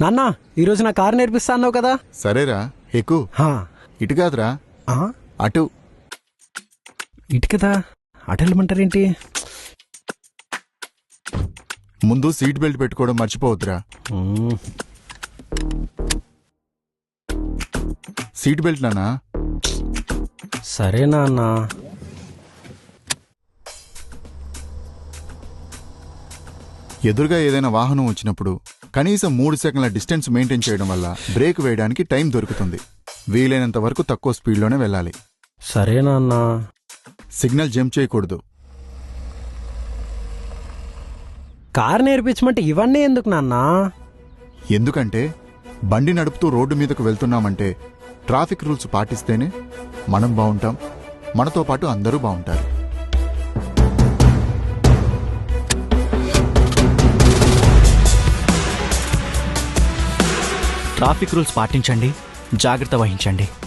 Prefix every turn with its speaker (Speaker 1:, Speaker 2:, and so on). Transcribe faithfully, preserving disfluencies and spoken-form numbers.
Speaker 1: నాన్న ఈరోజు నా కారు నేర్పిస్తా అన్నావు కదా.
Speaker 2: సరేరా ఎక్కు.
Speaker 1: హా.
Speaker 2: ఇటు కాదురా,
Speaker 1: ఆ?
Speaker 2: అటు.
Speaker 1: ఇటు కదా, అటు వెళ్ళమంటారేంటి?
Speaker 2: ముందు సీట్ బెల్ట్ పెట్టుకోవడం మర్చిపోవద్దురా.
Speaker 1: మ్మ్.
Speaker 2: సీట్ బెల్ట్ నానా.
Speaker 1: సరే నాన్న.
Speaker 2: ఎదురుగా ఏదైనా వాహనం వచ్చినప్పుడు కనీసం మూడు సెకండ్ల డిస్టెన్స్ మెయింటైన్ చేయడం వల్ల బ్రేక్ వేయడానికి టైం దొరుకుతుంది. వీలైనంత వరకు తక్కువ స్పీడ్లోనే వెళ్ళాలి.
Speaker 1: సరే నాన్న.
Speaker 2: సిగ్నల్ జంప్ చేయకూడదు.
Speaker 1: కారు నేర్పించమంటే ఇవన్నీ ఎందుకు నాన్న?
Speaker 2: ఎందుకంటే బండి నడుపుతూ రోడ్డు మీదకు వెళ్తున్నామంటే ట్రాఫిక్ రూల్స్ పాటిస్తేనే మనం బాగుంటాం, మనతో పాటు అందరూ బాగుంటారు.
Speaker 3: ట్రాఫిక్ రూల్స్ పాటించండి, జాగ్రత్త వహించండి.